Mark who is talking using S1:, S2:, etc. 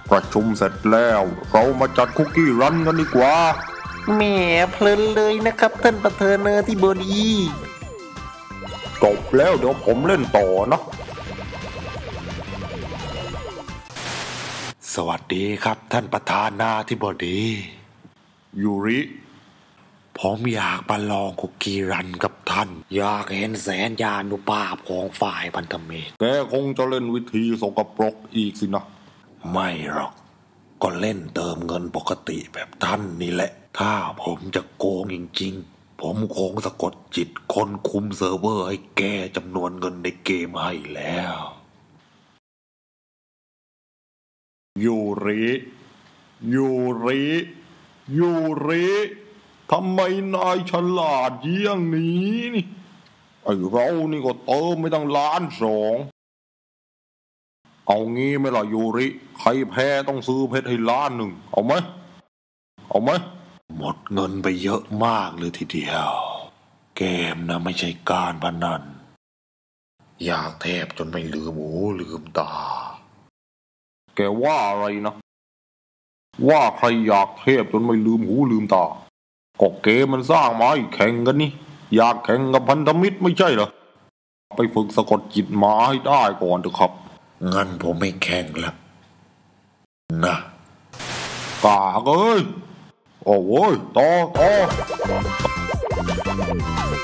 S1: ประชุมเสร็จแล้วเรามาจัดคุกกี้รันกันดีกว่า
S2: แหมเพลินเลยนะครับท่านประธานาธิบดี
S1: จบแล้วเดี๋ยวผมเล่นต่อนะ
S3: สวัสดีครับท่านประธานาธิบดี
S1: ยูริ
S3: ผมอยากมาลองคุกกี้รันกับท่านอยากเห็นแสนยานุภาพของฝ่ายพันธมิตร
S1: แกคงจะเล่นวิธีสกปรกอีกสินะ
S3: ไม่หรอกก็เล่นเติมเงินปกติแบบท่านนี่แหละถ้าผมจะโกงจริงๆผมคงสะกดจิตคนคุมเซิร์ฟเวอร์ให้แก้จำนวนเงินในเกมให้แล้ว
S1: ยูริทำไมนายฉลาดเยี่ยงนี้นี่ไอ้เรานี่ก็เติมไม่ตั้ง1,200,000เอางี้ไหมล่ะยูริใครแพ้ต้องซื้อเพชรให้1,000,000เอาไหม
S3: หมดเงินไปเยอะมากเลยทีเดียวเกมนะไม่ใช่การพนันอยากแทบจนไม่ลืมหูลืมตา
S1: แกว่าอะไรนะว่าใครอยากเทพจนไม่ลืมหูลืมตาก็เกมมันสร้างมาให้แข่งกันนี่อยากแข่งกับพันธมิตรไม่ใช่เหรอไปฝึกสะกดจิตมาให้ได้ก่อนเถอะครับ
S3: งั้นผมไม่แข่งละนะ
S1: กากเอ้ยโอ้ยต่อ